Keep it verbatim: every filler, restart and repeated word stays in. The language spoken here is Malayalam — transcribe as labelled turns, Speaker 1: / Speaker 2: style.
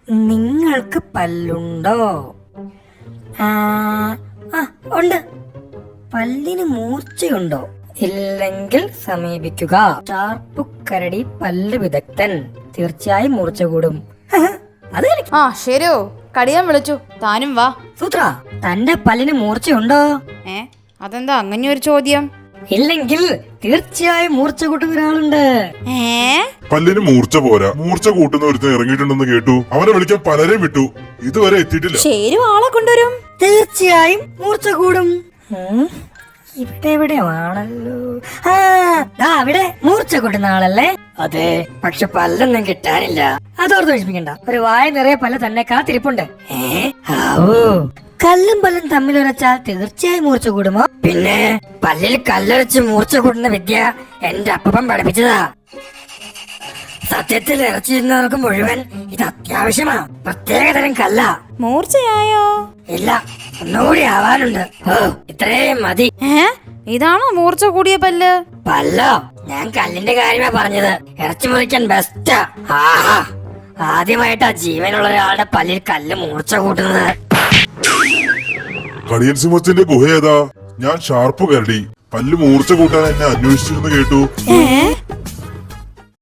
Speaker 1: നിങ്ങൾക്ക് പല്ലുണ്ടോ? ആ ആ, ഉണ്ട്. പല്ലിന് മൂർച്ചയുണ്ടോ? ഇല്ലെങ്കിൽ സമീപിക്കുക. ഷാർപ്പു കരടി പല്ല് വിദഗ്ധൻ. തീർച്ചയായും മൂർച്ച കൂടും. അത് കളിക്ക്.
Speaker 2: ആ ശരിയോ, കടിയാൻ വിളിച്ചു. താനും വാ.
Speaker 1: സൂത്ര, തന്റെ പല്ലിന് മൂർച്ചയുണ്ടോ?
Speaker 2: ഏ അതെന്താ അങ്ങനെ ഒരു ചോദ്യം?
Speaker 1: ഇല്ലെങ്കിൽ തീർച്ചയായും മൂർച്ച കൂട്ടുന്ന ഒരാളുണ്ട്.
Speaker 2: ഏ
Speaker 3: പല്ലിന് മൂർച്ച പോരാ, മൂർച്ച കൂട്ടുന്ന ഒരുത്തൻ ഇറങ്ങിയിട്ടുണ്ടെന്ന് കേട്ടു. അവനെ വിളിക്കാൻ പലരെയും വിട്ടു, ഇതുവരെ എത്തിയിട്ടില്ല.
Speaker 2: ശരി, ആളെ കൊണ്ടുവരും.
Speaker 1: തീർച്ചയായും മൂർച്ച കൂടും. ഉം, ഇവിടെ എവിടെയാണല്ലോ. ആ ദാ അവിടെ മൂർച്ച കൂട്ടുന്ന ആളല്ലേ? അതെ, പക്ഷെ പല്ലൊന്നും കിട്ടാനില്ല. അതോർത്ത് വിഷമിക്കണ്ട, ഒരു വായ നിറയെ പല്ല് തന്നെ കാത്തിരിപ്പുണ്ട്. ഏ ആവൂ, കല്ലും പല്ലും തമ്മിൽ ഉരച്ചാൽ തീർച്ചയായും മൂർച്ച കൂടുമോ? പിന്നെ പല്ലിൽ കല്ലൊരച്ച് മൂർച്ച കൂടുന്ന വിദ്യ എന്റെ അപ്പൻ പഠിപ്പിച്ചതാ. സത്യത്തിൽ ഇറച്ചിരുന്നവർക്ക് മുഴുവൻ ഇത് അത്യാവശ്യമാ. പ്രത്യേകതരം കല്ല.
Speaker 2: മൂർച്ചയായോ?
Speaker 1: ഇല്ല, ഒന്നുകൂടി ആവാനുണ്ട്. ഓ, ഇത്രയും മതി.
Speaker 2: ഏ ഇതാണോ മൂർച്ച കൂടിയ പല്ല്?
Speaker 1: പല്ലോ, ഞാൻ കല്ലിന്റെ കാര്യമാ പറഞ്ഞത്. ഇറച്ചി മുറിക്കാൻ ബെസ്റ്റാ. ആഹാ, ആദ്യമായിട്ടാ ജീവനുള്ള ഒരാളുടെ പല്ലിൽ കല്ല് മൂർച്ച കൂട്ടുന്നത്.
Speaker 3: കടിയൻ സിംഹത്തിന്റെ ഗുഹ ഏതാ? ഞാൻ ഷാർപ്പ് കരടി. പല്ല് മൂർച്ച കൂട്ടാൻ എന്നെ അന്വേഷിച്ചിരുന്നു കേട്ടു.
Speaker 2: ഏ